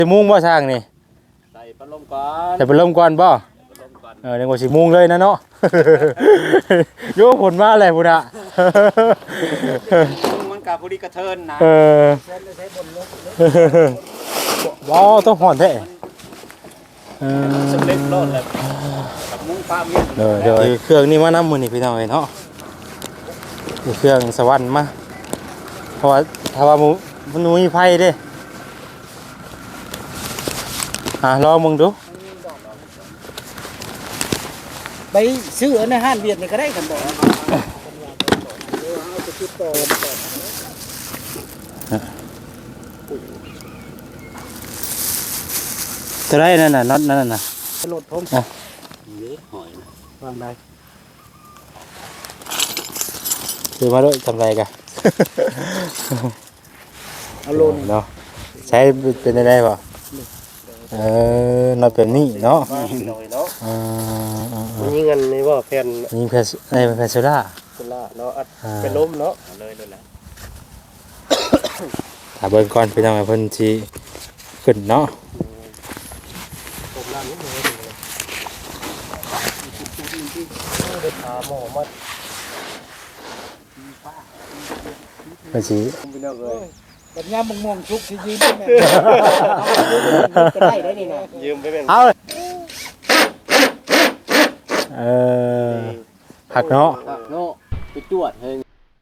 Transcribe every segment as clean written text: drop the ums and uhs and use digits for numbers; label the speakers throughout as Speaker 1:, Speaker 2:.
Speaker 1: สิมุงบ่ช่างนี่
Speaker 2: ใส่พัดลมก่อน
Speaker 1: ใส่พัดลมก่อนบ่เดี๋ยวว่าสิมุงเลยนะเนาะโยผลมาอะไรพุ่นน่ะ
Speaker 2: มันกับพอดีกระเทินนะ
Speaker 1: บ่ต้องห่อนแท้
Speaker 2: สำเร็จโลดเลยกับมุ้งฟ้าเมีย
Speaker 1: เดี๋ยวเครื่องนี้มานำมื้อนี้พี่น้องเอ้ยเนาะเครื่องสวรรค์มาเพราะว่าถ้าว่ามันมีไฟเด้ลองมึงดู
Speaker 3: ไปซื้อในห้างเวียดนี่ก็ได้กันบ่
Speaker 1: จะได้นั่นน่ะน็อตนั่นน่ะ
Speaker 3: รถผม
Speaker 2: หอย
Speaker 3: วางได้
Speaker 1: คือมาด้วยทำไรกัน
Speaker 3: เอาลง
Speaker 1: เนาะใช้เป็นได้ป่ะน็อตแบบนี้เนาะ
Speaker 3: นี่เงินนี่ว่าแผ่น
Speaker 1: นี่แผ่นโซล่า
Speaker 3: เนาะเป็นล้มเนาะ
Speaker 2: เลยแหละ
Speaker 1: ถ้าเบิ่งก่อนไปทำให้เพิ่นสิขึ้นเนาะเพิ่นสิ
Speaker 3: แบบนี้ม่วงชุกสิยืมแม่ก็ได้ได้นี่นะ
Speaker 2: ยืมไปเป็น
Speaker 1: เอาหักเนาะ
Speaker 2: ไปจวดเฮง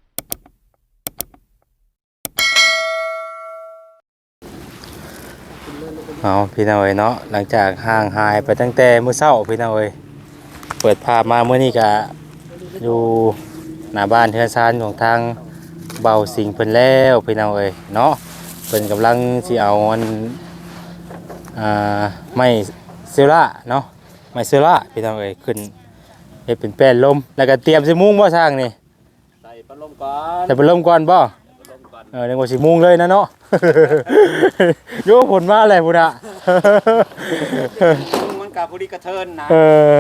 Speaker 1: เอาพี่น้องเอ้ยเนาะหลังจากห่างหายไปตั้งแต่มื้อเช้าพี่น้องเอ้ยเปิดภาพมามื้อนี้ก็อยู่หน้าบ้านเทือนซานของทางเบาสิงเพิ่นแล้วพี่น้องเอ้ยเนาะเพิ่นกำลังสิเอามันไม้เซล่าเนาะไม้เซล่าพี่น้องเอ้ยขึ้นเฮ็ดเป็นแป้นลมแล้วก็เตรียมสิมุงบ่ช่างนี่
Speaker 2: ใส่พัดลมก่อน
Speaker 1: ใส่พัดลมก่อนบ่เดี๋ยวว่าสิมุงเลยนะเนาะโยผลมาอะไรพุ่นน่ะ
Speaker 2: มันกับพอดีกระเทินนะ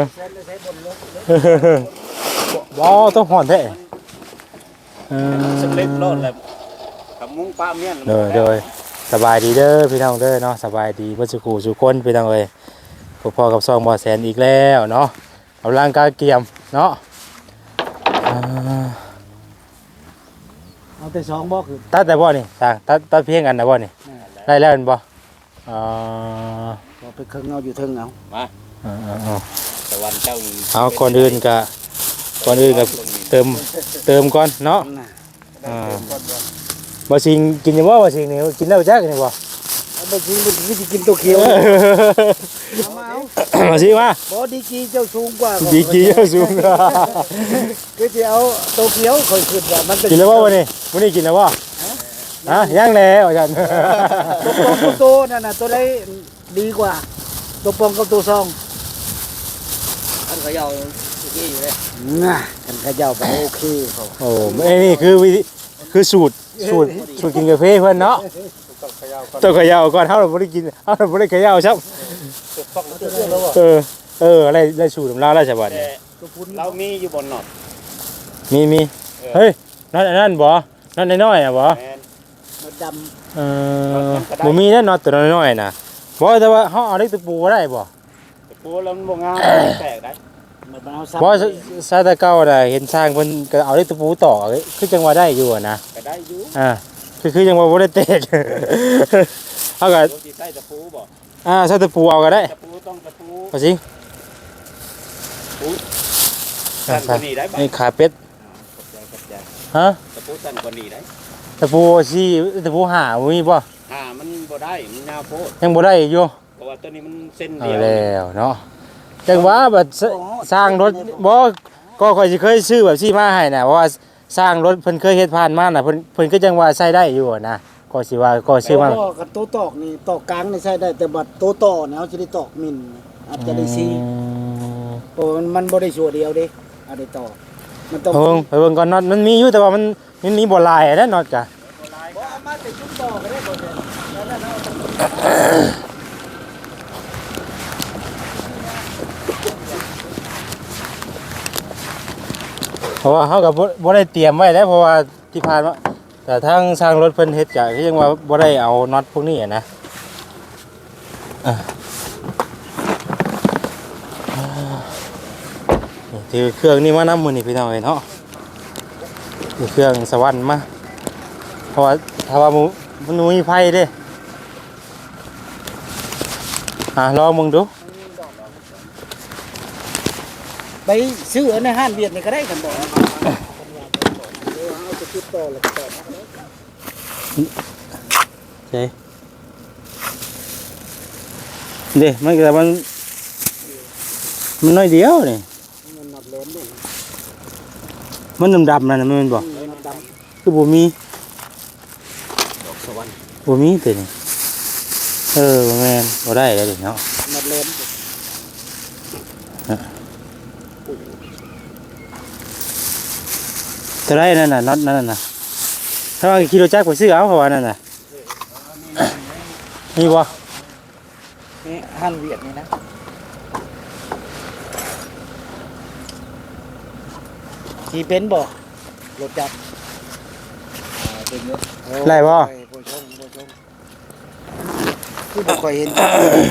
Speaker 1: บ่ต้องห่อนแท้
Speaker 2: สำเร็จโลดเลยกับมุ้งฟ้าเมีย
Speaker 1: เดี๋ยวสบายดีเด้อพี่น้องเด้อเนาะสบายดีเบ่สุขสุคนพี่น้องเอ้ยพอกับซองบ่แสนอีกแล้วเนาะเอาร่างกายเกียมเนาะ
Speaker 3: เอาแต่2บ่คือ
Speaker 1: ตัดแต่บ่นี่สร้างตัดเพียงกันนะบ่นี่ได้แล้วบ่
Speaker 3: ไปเครื่องเอาอยู่เทิงเอา
Speaker 2: มาตะวันเจ้า
Speaker 1: เอาก่อนอื่นก็เติมก่อนเนาะบ่สิงกินจังบ่สิงนี่กินแล้วจักนี่บ่
Speaker 3: บ่สิวิธีกินตัวเขียว
Speaker 1: มาสิมา
Speaker 3: บ่ดีกีเจ้าสูงกว่า
Speaker 1: ดีกีเจ้าสูง
Speaker 3: คือสิเอาตัวเขียวค่อยขึ้นว่ามัน
Speaker 1: กินแล้วบ่วันนี้กินแล้วบ่ยังแล้วอาจารย์
Speaker 3: ตัวนั่นน่ะตัวใดดีกว่าตัวปองกับตัวซอง
Speaker 2: อันเขายาวที่อยู่เลย
Speaker 3: กันเขายาวไปโอเคเขา
Speaker 1: โอ้นี่คือสูตรกินกาแฟเพิ่นเนาะต้องเขย่าก่อนเฮาบ่ได้กินเฮาบ่ได้เขย่าซับอะไรสูตรของเราแล้วใช่บ่นี่
Speaker 2: เรามีอยู่บนน็อต
Speaker 1: มีเฮ้ยนั่นบ่นั่นน้อยๆอ่ะบ่
Speaker 3: มันดำ
Speaker 1: บ่มีนั่นน็อตตัวน้อยๆน่ะบ่แต่ว่าเฮาเอาเล็กตะปูได้บ่
Speaker 2: ตะปูแล้วมันบ่งามแตกได้
Speaker 1: บ่ซาตะเก่าน่ะเห็นสร้างเพิ่นก็เอาเล็กตะปูต่อคือจังว่าได้อยู่นะ
Speaker 2: ก็ได้อยู่
Speaker 1: คือจังว่าบ่ได้เตะเฮาก็
Speaker 2: สิใส่ตะปูบ่
Speaker 1: ใส่ตะปูเอาก็ได้
Speaker 2: ตะปูต้องตะปู
Speaker 1: พอสิ
Speaker 2: สั่นกว่านี้ได้บ่
Speaker 1: นี่ขาเป็ดฮะ
Speaker 2: ตะปูสั่นกว่านี้ได้
Speaker 1: ตะปูสิตะปูหามีบ่
Speaker 2: มันบ่ได้มันยาวโพด
Speaker 1: ยังบ่ได้อยู่
Speaker 2: เพราะว่าตัวนี้มันเส้นเดียว
Speaker 1: แล้วเนาะจังว่าแบบสร้างรถบ่ก็ค่อยสิเคยซื้อแบบซี่มาให้น่ะเพราะว่าสร้างรถเพิ่นเคยเฮ็ดผ่านมาน่ะเพิ่นก็จังว่าใช้ได้อยู่นะก็สิว่าก็ซื้อมา
Speaker 3: กับโตตอกนี่ตอกกลางนี่ใช้ได้แต่บัดโตต่อเนี่ยเฮาสิได้ตอกมินอาจจะได้ซีโอ้มันบ่ได้ชั่วเดียวเด้เอาได้ตอกมันต้อง
Speaker 1: ไปเบิ่งก่อนน็อตมันมีอยู่แต่ว่ามันมีบ่หลายนะน็อตจ้ะ
Speaker 3: บ่เอามาแต่จุดต่อก็ได้บ่
Speaker 1: เพราะว่าเขากับบ่ได้เตรียมไว้แล้วเพราะว่าที่ผ่านมาแต่ทางสร้างรถเพิ่นเฮ็ดก็ยังว่าบ่ได้เอาน็อตพวกนี้นะถือเครื่องนี่มานำมื้อนี้พี่น้องเอ้ยเนาะถือเครื่องสวรรค์มาเพราะว่าถ้าว่ามันมีไฟเด้ลองมึงดู
Speaker 3: ไปซื้อในห้างเวียดนี่ก็ได้กันบ่เอาไปคิดต่อแล้วก็ต่อมาเลย
Speaker 1: ใช่เด้มันแต่มันน้อยเดียวนี่
Speaker 3: มันนับเล่นด้วย
Speaker 1: มันดำๆนั่นน่ะมันบอก
Speaker 3: มันด
Speaker 1: คือบ่มี
Speaker 2: ดอกสวรรค์
Speaker 1: บ่มีตัวนี้บ่แม่นบ่ได้แล้วเด้เนาะ
Speaker 3: ำนับเล่น
Speaker 1: ตัวได้นั่นน่ะน็อตนั่นน่ะถ้าว่ากิโลจักรไปซื้อเอาเพราะว่านั่นน่ะนี่บ่
Speaker 3: นี่ห้างเวียดนี่นะขี่เป็นบ่รถจักร
Speaker 2: เป็นเยอะ
Speaker 1: ไล่บ่
Speaker 3: ผู้ชมคือบ่ค่อยเห็น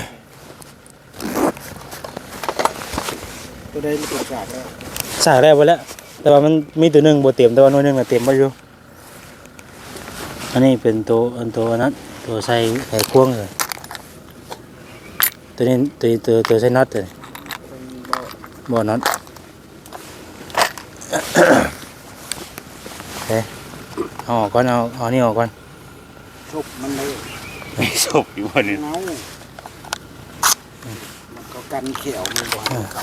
Speaker 3: ตัวใดมันตกฉากแล้ว
Speaker 1: สร้างได้บ่แล้วแต่ว่ามันมีตัวหนึงบ่เต็มแต่ว่าหน่วยหนึงน่ะเต็มบ่อยู่อันนี้เป็นตัวนั้นตัวใส่ไขควงเลยตัวนี้ตัวใส่น็อตเลย
Speaker 3: เป็นบ่
Speaker 1: บ่น็อตเฮ้ยเอาออกก่อนเอานี่ออกก่อน
Speaker 3: ชุบมันเลย
Speaker 1: ไม่ศพอยู่บ่นี่
Speaker 3: เงามันก็กันเขียวมันบ่ให้เขา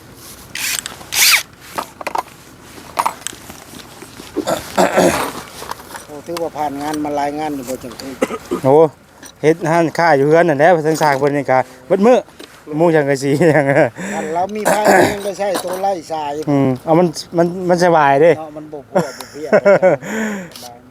Speaker 3: โอ้ถือว่าผ่านงานมาหลายงานอยู่บ่จังซี่
Speaker 1: โอ้เฮ็ดหันค่าอยู่เฮือนนั่นแหละทางสร้างเพิ่นนี่ก็เบิดมื้อมุงจังกะสีอย่าง
Speaker 3: อันเรามีพายยังได้ใช้ตัวไล่สาย
Speaker 1: เอามันสบายเด้
Speaker 3: เนาะมันบ่พัวบ่เพียสบาย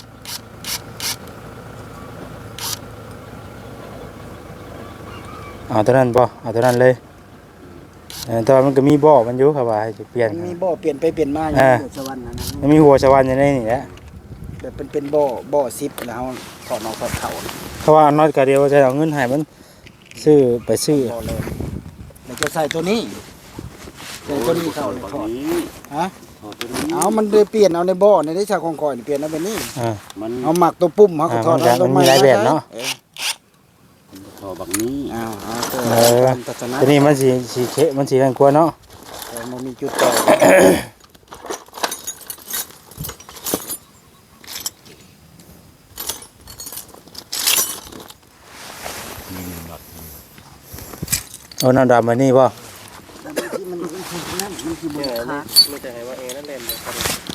Speaker 3: แม่
Speaker 1: เอาตัวนั้นบ่เอาตัวนั้นเลยแต่ว่ามันก็มีบ่อมันอยู่ครับว่าให้สิเปลี่ยน
Speaker 3: มันมีบ่อเปลี่ยนไปเปลี่ยนมาอยู่
Speaker 1: อ่า
Speaker 3: บนสวรรค์นั่นนะ
Speaker 1: มันมีหัวชะวันอยู่ในนี่แหละ
Speaker 3: แบบเป็นบ่อซิปแล้วถอดนอกถอดเข่า
Speaker 1: เพราะว่าน็อตก็เดียวจะเอาเงินให้มันซื้อ
Speaker 3: บ่อเลยแล้วจะใส่ตัวนี้ใส่ตัวนี้เข้าเลยถอด
Speaker 2: นี้
Speaker 3: ฮะ
Speaker 2: ถอดตัวนี้
Speaker 3: เอามันเลยเปลี่ยนเอาในบ่อในได้ชาของคอยนี่เปลี่ยนเอาเป็นนี่
Speaker 2: มัน
Speaker 3: เอาหมักตัวปุ่มเขาก็ถอด
Speaker 1: มันมีหลายแบบเนาะ
Speaker 2: ถอดบักนี้
Speaker 3: เอาตัว
Speaker 1: เออ
Speaker 3: ตัดชนะ
Speaker 1: ตัวนี้มันสีเขมันสีนั่นกว่าเนาะ
Speaker 3: แต่มันมีจุดต่อ
Speaker 1: เอาน้ำดำมานี่ป่ะ
Speaker 3: ที่มันนั่นมันคือบนขา
Speaker 2: ไม่จะให้ว่าเองนั่นเล่นเลยครับ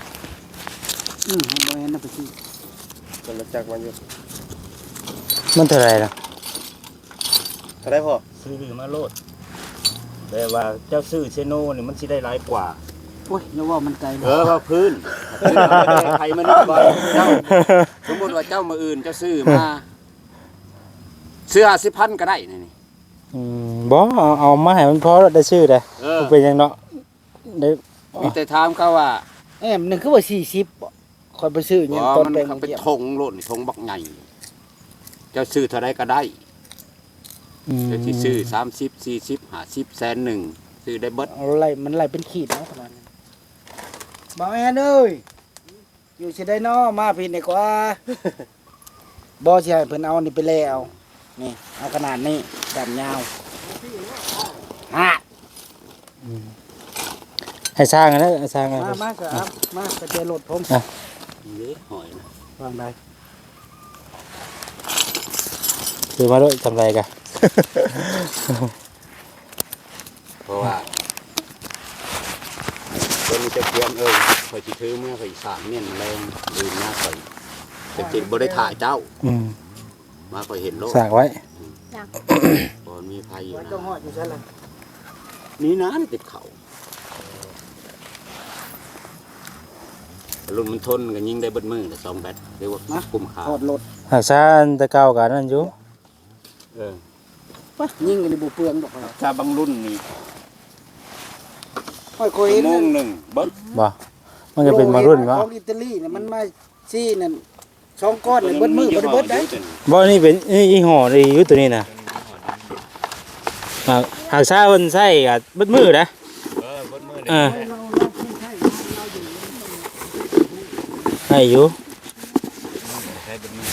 Speaker 3: บ่เห็นนะไปที่
Speaker 2: จนรถจักรมันอยู่
Speaker 1: มันเท่าไหรล่ะ
Speaker 2: เท่าได้พอ
Speaker 4: ซื้อมาโลดแต่ว่าเจ้าซื้อเชโน่นี่มันสิได้หลายกว่า
Speaker 3: โอ้ยอย่าว่ามันไกลเลย
Speaker 2: ว่าพื้นใครมันนี่บ่เจ้าสมมติว่าเจ้ามาอื่นเจ้าซื้อมาเสื้อ10,000ก็ได้นี่
Speaker 1: บ่เอามาให้มันพอได้ชื่อได้มันเป็นหยังเนาะได้
Speaker 2: มีแต่ถามเขาว่า
Speaker 3: หนึ่งคือว่า40บ่คอยไปซื้อหยังตอน
Speaker 2: มัน
Speaker 3: ไป
Speaker 2: เป็น
Speaker 3: เกี่ยว
Speaker 2: ธงโลดธงบักใหญ่เจ้าซื้อเท่าไรก็ได้เจ้าที่ซื้อ30 40 50แสนหนึ่งซื้อได้เบิด
Speaker 3: เอาไล่มันไล่เป็นขีดเนาะประมาณนั้นบ่แม่นเอ้ยอยู่สิได้น้อมาพี่นี่กว่า บ่สิให้เพิ่นเอานี่ไปแล้วนี่เอาขนาดนี้ดำยาวฮะ
Speaker 1: ให้สร้างนะสร้างนะ
Speaker 3: มาครับมาไปเจอรถผม
Speaker 2: นี่หอยนะ
Speaker 3: วางได้
Speaker 1: คือมาด้วยทำไรกัน
Speaker 2: เพราะว่าตัวนี้จะเตรียมคอยสิถือเมื่อคอยสามเนี่ยแรงลืมหน้าคอยแต่จริงบ่ได้ถ่ายเจ้ามาคอยเห็นโลก
Speaker 1: สร้างไว้
Speaker 2: บ่มีภัยอยู่
Speaker 3: ไว้
Speaker 2: นะ
Speaker 3: ต้องหอดอยู่ใช่ไหม
Speaker 2: นี่นะนี่ติดเขารุ่นมันทนกันยิงได้เบิดมือแต่2แบตเรียกว่าคุ้มค่า
Speaker 3: ถอดรถ
Speaker 1: หากซ่านตะเก้ากันนั่นอยู่
Speaker 3: ปะยิ่งกันในบุเปลืองดอกเรา
Speaker 2: ถ้าบางรุ่นนี่
Speaker 3: ค่อยคุย
Speaker 2: ชั่วโมงหนึงเบิด
Speaker 1: บ่มันจะเป็นมารุ่นวะ
Speaker 3: ของอิตาลีเนี่ยมันมาซี่นั่น2ก้อนเนี่ยเบิดมือเบิดได้
Speaker 1: บ่นี่เป็นนี่ยี่ห้อนี่อยู่ตัวนี้นะหากซาเพิ่นใช้ก็เบิดมื้อนะ
Speaker 2: บนมือ
Speaker 1: เอ
Speaker 2: นี่
Speaker 1: อ
Speaker 3: เราไม่ใช่เราอยู่
Speaker 1: ให้อยู่
Speaker 2: ใช้บนมือ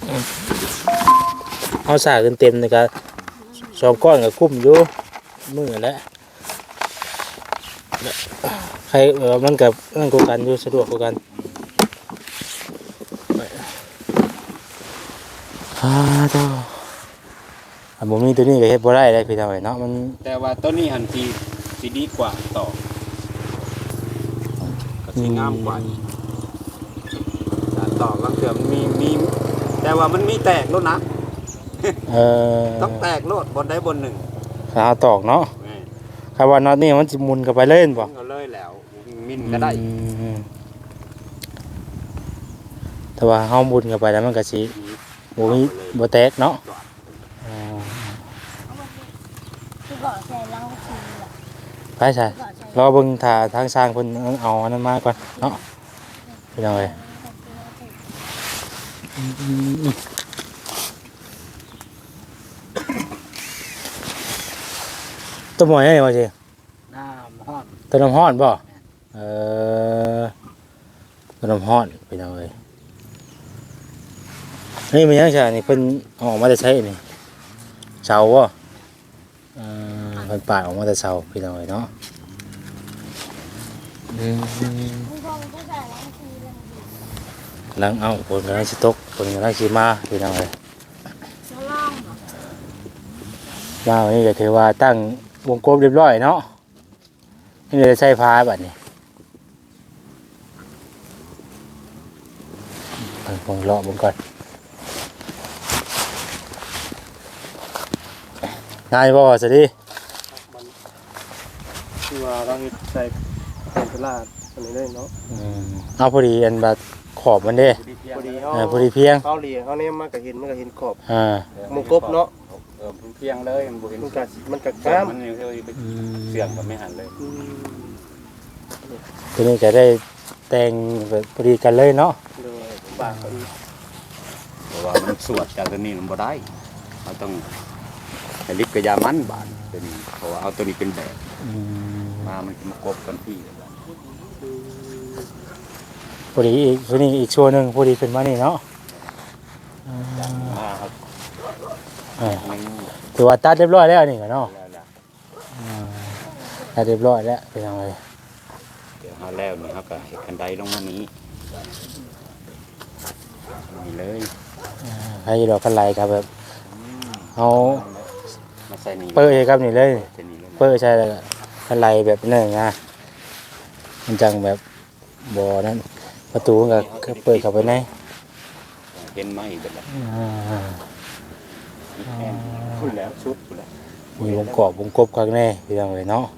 Speaker 1: เอาสาขึ้นเต็มนี่ก็2ก้อนก็คุ้มอยู่มื้อแล้วใครมันก็นั่นกว่ากันอยู่สะดวกกว่ากันเจ้าบ่มีตัวนี้ก็เฮ็ดบ่ได้เลยพี่น้องเอ้ยเนาะมัน
Speaker 2: แต่ว่าต้นนี้หันสีดีกว่าต่อก็สีงามกว่าอีกต่อก็เถื่อมันมีแต่ว่ามันมีแตกโลดนะ
Speaker 1: เออ
Speaker 2: ต้องแตกโลดบนใดบนหนึ่ง
Speaker 1: เอาตอกเนาะ
Speaker 2: แม่
Speaker 1: คำว่าน็อตนี่มันสิหมุนเข้าไปเล่นบ่
Speaker 2: เอาเลยแล้วมินก็ได้
Speaker 1: อืมแต่ว่าเฮาหมุนเข้าไปแล้วมันก็สิบ่มีบ่แตกเนาะอ๋อ
Speaker 5: คือบอกใส่เหล้าคือแบบ
Speaker 1: ไปใช่
Speaker 5: บอกใส่
Speaker 1: รอเบิ่งถ้าทางสร้างเพิ่นเอาอันนั้นมาก่อนเนาะไปจังไดตัวหมอยนี่ว่าสิ
Speaker 3: น้ำฮอด
Speaker 1: ตัวน้ำร้อนบ่เออตัวน้ำร้อนไปจังไดนี่มันยังใช่นี่เพิ่นเอาออกมาจะใช้นี่เสาบ่เพิ่นปาดออกมาแต่เสาพี่น้องเอ้ยเนาะ
Speaker 5: คุณพ่อมันก็ใส่เหล้าคือเรื่องดี
Speaker 1: หลังเอาคนกำลังสิตกคนกำลังสิมาพี่น้องเอ้ย
Speaker 5: แล้วล่องเหรอ
Speaker 1: มาวันนี้ก็ถือว่าตั้งวงกลมเรียบร้อยเนาะนี่เลยใช้พาบัดนี้ผมเลาะผมก่อนนายบ่สวัสดี
Speaker 6: คือว่าเราเฮ็ดใส่เป็นตลาดอันนี้ได้เนาะ
Speaker 1: เอาพอดีอันบัดขอบมันเด้
Speaker 6: พอดีเฮา
Speaker 1: พอดีเพียง
Speaker 6: เฮาเหลียเฮาเนี่ยมันก็เห็นขอบ
Speaker 1: อ่า
Speaker 6: หมูกบเนาะ
Speaker 2: เพียงเลยมันบุเห็น
Speaker 6: มันก็
Speaker 2: งาง
Speaker 6: าม
Speaker 2: มันยังไปเสื่อมก็ไม่หันเลย
Speaker 6: อืม
Speaker 1: ตัวนี้จะได้แต่งแบบพอดีกันเลยเนาะ
Speaker 6: โดยบากก็อีก
Speaker 2: เพราะว่ามันสวดจากตัวนี้มันบ่ได้เราต้องให้ลิบกระยามันบานเป็นเพราะว่าเอาตัวนี้เป็นแบบมามันจะมากบกันที่
Speaker 1: พอดีอีกตัวนี้อีกช่วงหนึ่งพอดีขึ้นมานี่เนาะ
Speaker 2: มาครับ มัน
Speaker 1: ถือว่าตัดเรียบร้อยแล้วนี่ก็เนาะ
Speaker 2: แล้วล่ะ
Speaker 1: ตัดเรียบร้อยแล้วเป็นยังไง
Speaker 2: เดี๋ยวมาแล้วนี่ครับก็เห็ดคันไดลงมานี้นี่เลย
Speaker 1: ใครจะดอกกันไหลครับแบบเอา
Speaker 2: มาใส่นี่
Speaker 1: เปิดเลยครับนี่เลย
Speaker 2: ใส่นี่เลย
Speaker 1: เปิดใช่แล้วก็กันไหลแบบนั่นนะมันจังแบบบ่อนั้นประตูมันก็เปิดเข้าไปใน
Speaker 2: เห็นไหมเบิดแล้ว
Speaker 1: อ่า
Speaker 2: นี่แอนพูดแล้วชุดพูดแล้ว
Speaker 1: มีวงกรอบวงกบข้างในเป็นยังไงเนาะ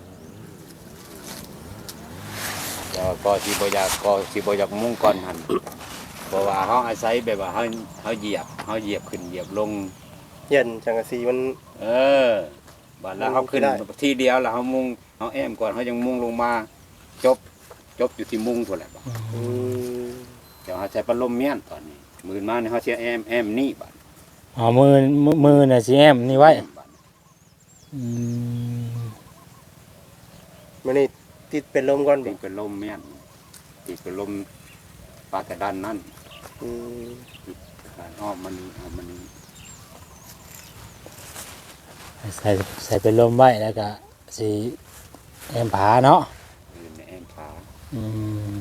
Speaker 2: แล้วก็สิบ่อยากมุ่งก่อนหันเพราะว่าเขาอาศัยแบบว่าเขาเหยียบขึ้นเหยียบลง
Speaker 6: เย็นจังกะสีมัน
Speaker 2: บัดแล้วเขาขึ้น
Speaker 6: ได้
Speaker 2: ทีเดียวแล้วเขามุ่งเขาแอมก่อนเขายังมุ่งลงมาจบอยู่ที่มุ่งตัวแหละบัด
Speaker 6: อืม
Speaker 2: เดี๋ยวเขาใช้พัดลมเมียนตอนนี้มือมาเนี่ยเขาเชียแอมนี่บัด
Speaker 1: อ๋อมือน่ะสิแอมนี่ไว้
Speaker 2: บัด
Speaker 1: อืม
Speaker 6: มันนี่ติดเป็นลมก่อน
Speaker 2: ติ
Speaker 6: บ่
Speaker 2: ดเป็นลมเมียนติดเป็นลมปลากระดานนั่น
Speaker 6: อืม
Speaker 2: การอ้อมมันนี่
Speaker 1: ใส่เป็นลมไว้แล้วก็สิแอมผาเนาะ
Speaker 2: อยู่ในแอมขา
Speaker 1: อืม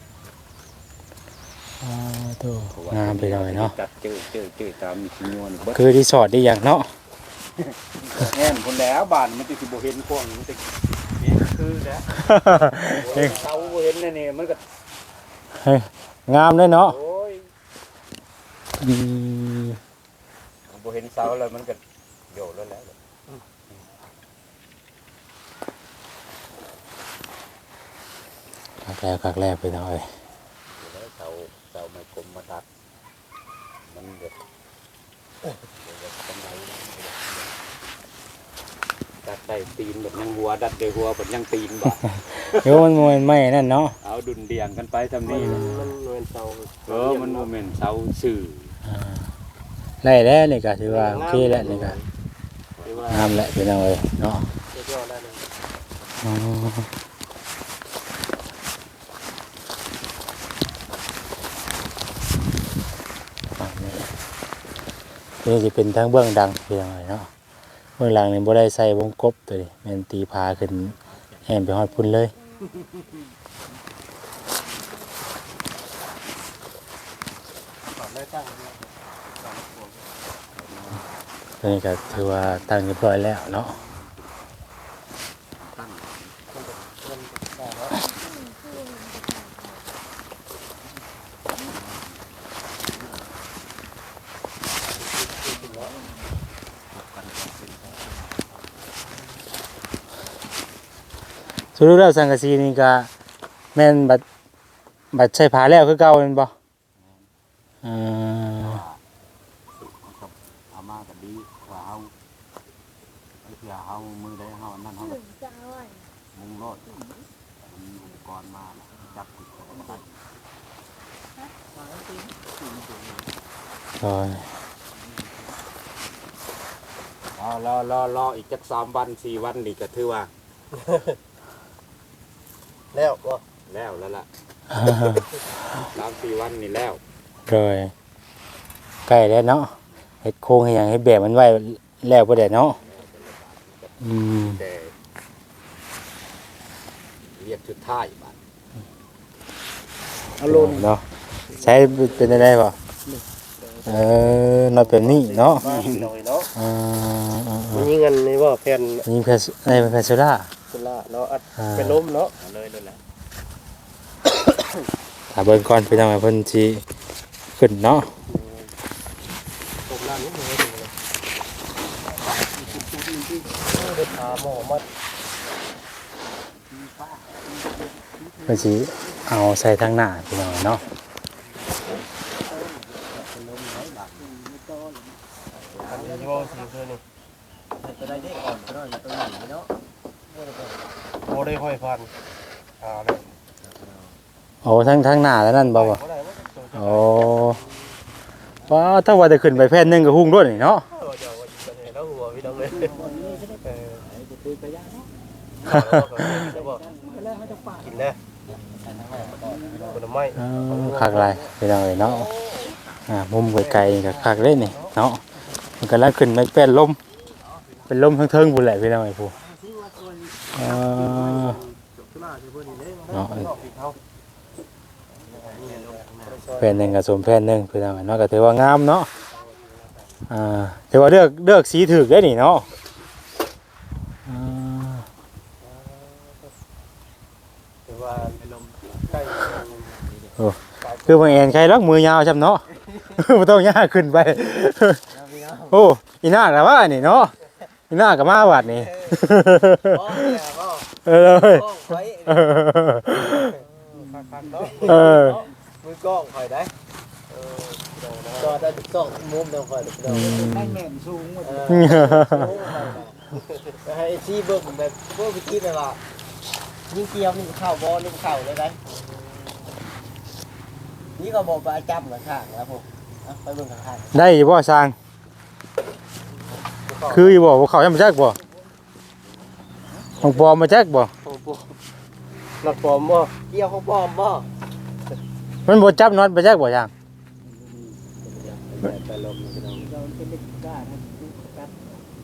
Speaker 1: อ่าตัว
Speaker 2: เพราะว่าง
Speaker 1: ามไปหน่อยเนาะ
Speaker 2: จัดเจอตามมีชิ้นงวนเบิด
Speaker 1: คือรีสอร์ทได้อย่างเนาะ
Speaker 2: แอมคนแล้วบ้านมันจะสิบ่เห็นกว้างมันจะนี่คือแล้ว เสาบ่เห็นนี่มันก็
Speaker 1: งามเลยเนาะ
Speaker 2: โอ้ย
Speaker 1: อืม
Speaker 2: บ่เห็นเสาแล้วมันก็โยดแล้วแหละ
Speaker 1: คักแรกไปหน่อย
Speaker 2: เสาไม่กลมมาทัดมันแบบดัดได้ตีนแบบยังหัวดัดได้หัวแบบยังตีนบ่
Speaker 1: เดี๋ยวมันมวยไม่นั่นเนาะ
Speaker 2: เอาดุนเดียงกันไปทำ
Speaker 6: มัน
Speaker 2: นี่
Speaker 6: มันเป็นเสา
Speaker 2: มันโมเมนต์เสาสื่อ
Speaker 1: ไล่แล้วนี่ก็ถือว่าโอเคแล้วนี่ก็
Speaker 2: เ
Speaker 1: งามแหละพี่น้องเอ้ยเนาะ
Speaker 6: ยอดได้เลย
Speaker 1: อ๋อนี่จะเป็นทั้งเบื้องดังพี่น้องเอ้ยเนาะเบื้องหลังนี่บ่ได้ใส่วงกบตัวนี้แม่นตีพาขึ้นแห่นไปฮอดพุ่นเลย
Speaker 6: ตอนได้ตั้ง
Speaker 1: ตัวนี้ก็ถือว่าตั้งเรียบร้อยแล้วเนาะ สรุปแล้วสังกะสีนี่ก็แม่นบัดใช้ผ้าแล้วคือเก่าแม่นบ่อ่า
Speaker 2: เอามาก็ดีว่าเฮาไอ้เพื่อเฮามือได้เฮานั่นเฮา
Speaker 5: จะเอาไว้
Speaker 2: มุงรถมีอุปกรณ์มาจับติดตัวได้
Speaker 1: โอ้ย
Speaker 2: รออีกจัก3 วัน 4 วันนี่ก็ถือว่า
Speaker 6: แล้วก็
Speaker 2: แล้วล่ะ 3-4 วันนี่แล้ว
Speaker 1: เลยใกล้แล้วเนาะเฮ็ดโครงให้หยังให้แบบมันไว้แล้วบ่ได้เนาะอืม
Speaker 2: แต่เรียกชุดท้ายบัด
Speaker 3: เอาโลน
Speaker 1: เนาะใช้เป็นได้บ่น็อตแบบนี้เนาะ
Speaker 6: มาหน่อยเนาะ
Speaker 1: อ่า
Speaker 6: มันยิงกันนี่ว่าแผ่น
Speaker 1: ยิงแพสในแพสโซล่า
Speaker 6: สุราเนาะอัดเป็นล้มเนาะเลยแหละ
Speaker 1: ถ้าเบิ่งก่อนพี่น้องเพิ่นสิขึ้นเนาะ
Speaker 6: ผมล่างนิดนึงเลยเด็ดขาหมอมัด
Speaker 1: เพิ่นสิเอาใส่ทางหน้าพี่น้องเนาะ
Speaker 6: อันนี้โยสิคือนี่จะได้ได้ก่อนก็ได้ตัวนี้เนาะโอ้ได้ห้อยพันเลย
Speaker 1: โอ้ทางหน้าแล้วนั่นบ่บ่
Speaker 6: บ่ได้ว่า
Speaker 1: โอ้ว้าถ้าว่าจะขึ้นไปแผ่นหนึงก็หุ่งด้วยนี่เนาะ
Speaker 6: เดี๋ยววันนี้แล้วหัวพี่น้องเลยกินนะผลไม้
Speaker 1: คักหลายพี่น้องเอ้ยเนาะมุมไกลๆก็คักเลยนี่เนาะมันกำลังขึ้นไปแป้นลมเป็นลมทั้งเทิงพุ่นแหละพี่น้องไอ้ผู้เนาะแผ่นหนึงกับสมแผ่นหนึงพี่น้องเอ้ยเนาะก็ถือว่างามเนาะถือว่าเลือกสีถูกได้นี่เนาะอ่า
Speaker 6: ถือว่าลมใกล้
Speaker 1: คือบางแอนใครรักมือยาวจำเนาะ ไม่ต้องยากขึ้นไป โอ้อีน่ากับว่านี่เนาะอีน่ากับมาวัดนี่ เออเลยเออ
Speaker 6: มือกล้องคอยได้จอได้กล้องมุมต้องคอย
Speaker 3: ให้แม่นสูงหมด
Speaker 6: ให้ชี้เบิ่งแบบพวกวิธีแบบว่ายิงเกี่ยวนี่เข้าบอลนี่เข้าเลยได้นี่ก็บอกไปจับเหมือนข้างแล้วผมไปเบิ่งข้าง
Speaker 1: ได้อยู่บ่สร้าง คืออยู่บ่เขายังมาแจ๊กบ่ของปลอมมาแจ๊กบ่
Speaker 6: หลักปลอมบ่เกี่ยวของปลอมบ่
Speaker 1: มันบ่จับน็อตมาแจ๊กบ่ยัง
Speaker 6: ไปลม
Speaker 3: เราเป็นเด็กกล้านะกัด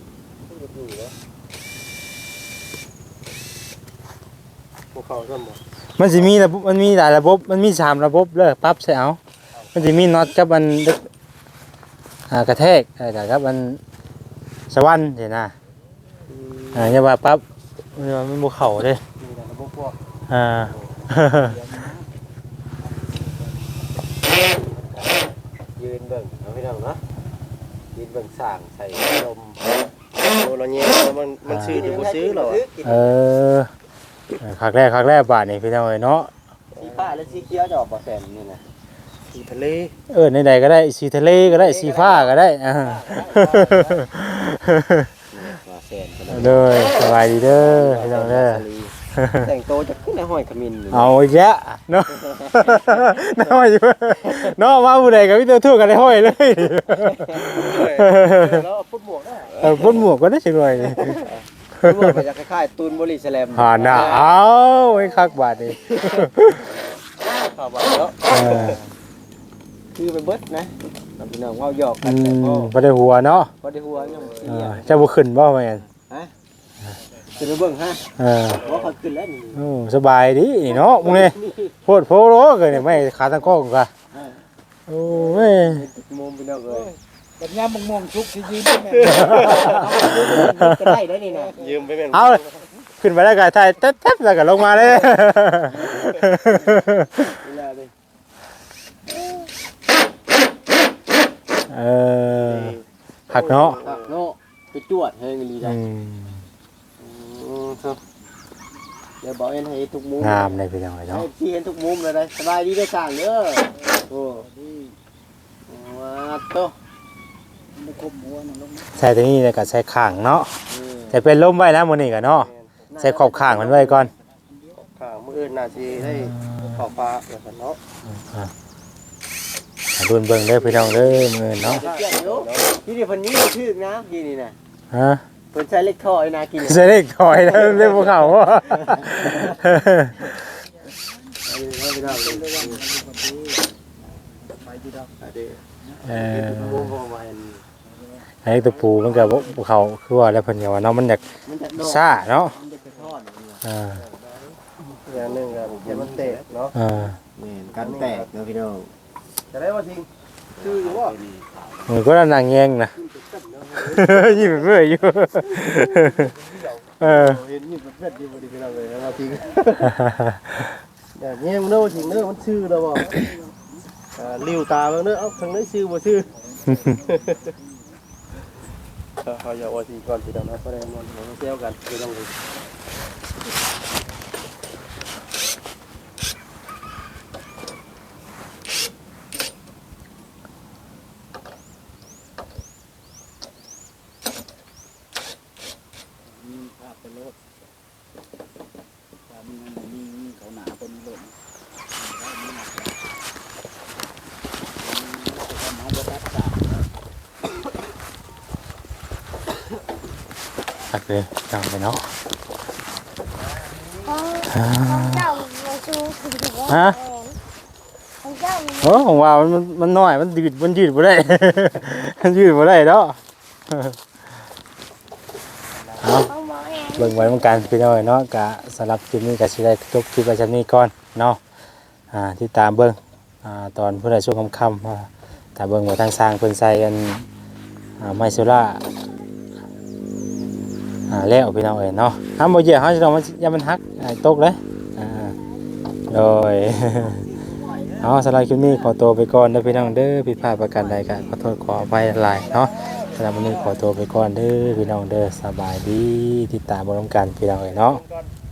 Speaker 6: พวกเขาซ้ำบ่
Speaker 1: มันสิมีระบบมันมีหลายระบบมันมี3ระบบเลยปรับใส่เอามันสิมีน็อตกับมันกระแทกแต่กับมันสวรรค์เห็นนะอย่าว่าปั๊บมันบ่เข้าเด้
Speaker 6: มีแต่ระบบพวก ยืนเบิ่งเอาพี่น้องเนาะยืนเบิ่งสร้างใส่ลมโดนเราเนี่ยมันซื้ออยู่บ่ซื้อหรอ
Speaker 1: เออคักแรกบาทนี่พี่น้องเอ้ยเนาะ
Speaker 6: สีฟ้าและสีเขียวจะออกบ่แซมนี่นะสีทะเล
Speaker 1: ในใดก็ได้สีทะเลก็ได้สีฟ้าก็ได้
Speaker 6: ว่าแซม
Speaker 1: เลยสบายดีเด้อพี่น้องเด้อ
Speaker 6: แต่งโตจะขึ้นในห้อยขมิ้น
Speaker 1: เอาอีกแล้วเนาะน้อยอยู่เนาะมาผู้ใดก็มีตัวทู่กันได้ห้อยเลย
Speaker 6: แล้วพุดหมวกได้
Speaker 1: พ่นหมวกก็ได้จังหน่อยนี่
Speaker 6: รู้ว่ามันจะคล้ายๆตูนบริสแลม
Speaker 1: หาหน้าเอาไอ้คักบาดนี่
Speaker 6: ข่าวว่าเนาะ
Speaker 1: เออ
Speaker 6: คือไปเบิดนะพี่น้องเว้าหยอกกันแต่พอ
Speaker 1: บ่ได้หัวเนาะ
Speaker 6: บ่ได้หัวยัง
Speaker 1: เออเจ้าบ่ขึ้นบ่แม่น
Speaker 6: ขึ้นไปเบิ่งฮะ
Speaker 1: เออ
Speaker 6: ว่าเขาขึ้นแล้วนี่
Speaker 1: โอ้สบายดีเนาะมึงนี่โพดโพโลเกินนี่ไม่ขาตั้งกล้องกะโอ้ย
Speaker 6: มุมพี่น้องเอ้ย
Speaker 3: แบบยามม่วงๆชุกสิยืนได้แม่
Speaker 6: ก็ได้ได้นี่นะยืมไปแม่น
Speaker 1: เอาขึ้นไปแล้วก็ถ่ายแต๊บๆแล้วก็ลงมาเลย
Speaker 6: เวลาเลย
Speaker 1: เออหักเนาะ
Speaker 6: เนาะไปจวดเฮงลีได้ ครับเดี๋ยวบอกเอ็นให้ทุกมุม
Speaker 1: งามเลยพี่น้องเอ้ย
Speaker 6: ให้
Speaker 1: เนาะ
Speaker 6: พี่เห็นทุกมุมเลยได้สบายดีได้สั่งเด้อโอ้ว้าโต
Speaker 3: ไม่คมหัวนั่นลง
Speaker 1: ใส่ตัวนี้แล้วก็ใส่ข้างเนาะใส่เป็นลมไว้แล้วมื้อนี้ก็เนาะใส่ขอบข้างมันไว้ก่อน
Speaker 6: ข้างมืออื่นน่าสิได้ขอบฟ้าแล้วกันเนาะ
Speaker 1: รุ่นเบิ่งเด้อพี่น้องเด้อมื้อเนาะ
Speaker 6: เกี่ยวอยู่ที่นี่เพิ่นนี้ชื่อนะที่นี่น่ะ
Speaker 1: ฮะ
Speaker 6: เพิ่นใช้เล็กท่อไอ้นากิน
Speaker 1: ใส่เลขถอยแล้วเรียกพวกเขาว่า
Speaker 6: ไม่ได้เลย
Speaker 3: ไปดีดอก
Speaker 1: เออ
Speaker 6: วงประมาณ
Speaker 1: ไอ้ตัวปูมันก็บ่ภูเขาคือว่าแล้วเพิ่นก็ว่าเนาะมันอยาก
Speaker 6: มันจะโดด
Speaker 1: ซ่าเนาะ
Speaker 6: มันจะไปทอด
Speaker 1: อ่า
Speaker 6: อย่างนึงก็จะมันแตกเนาะ
Speaker 1: อ่า
Speaker 6: นี่กันแตกนะพี่น้องจะได้ว่าจริงชื่ออยู่ว่า
Speaker 1: มันก็นางแยงนะ ยิ้มเมื่อยอยู่เออ
Speaker 6: เห็นนี่เป็นเพื่อนดีบ่ดีพี่น้องเลยนะว่าจริงอย่างนี้มันเนาะจริงเนาะมันชื่อแล้วบ่ลิ้วตาเบิ่งเนาะเอ้าทางนี้ชื่อบ่ชื่อเขาอย่าว่าจริงก่อนพี่น้องนะบ่ได้มันเซลกันพี่น้องเลย
Speaker 3: มีภาพเป็นรถตามนั้นมีเขาหนาเป็นรถน้องบ่ตัดสา
Speaker 1: หักเลยจังไปเนาะ
Speaker 5: ของเจ้ามาชูถึงถึงว่า
Speaker 1: ฮะ
Speaker 5: ของเจ้า
Speaker 1: โอ้ของว่ามันน้อยมันยืดบ่ได้ มันยืดบ่ได้เนาะเอา
Speaker 5: ของหมอแอน
Speaker 1: เบิ่งไว้เหมือนกันพี่น้อยเนาะกะสำหรับคลิปนี้ก็สิได้จบคลิปไว้ชั้นนี้ก่อนเนาะที่ตามเบิ่งตอนผู้ใดช่วงค่ำๆถ้าเบิ่งว่าทางสร้างเพิ่นใส่กันไมโซล่าแล้วพี่น้องเอ้ยเนาะห้ามบ่เหยียบเฮาสิต้องมันอย่ามันหักตกเลยโดย เอาสำหรับคลิปนี้ขอตัวไปก่อนเด้อพี่น้องเด้อผิดพลาดประการใดก็ขอโทษขออภัยหลายเนาะสำหรับวันนี้ขอตัวไปก่อนเด้อพี่น้องเด้อสบายดีติดตามบรมกันพี่น้องเอ้ยเนาะ
Speaker 6: ก่อน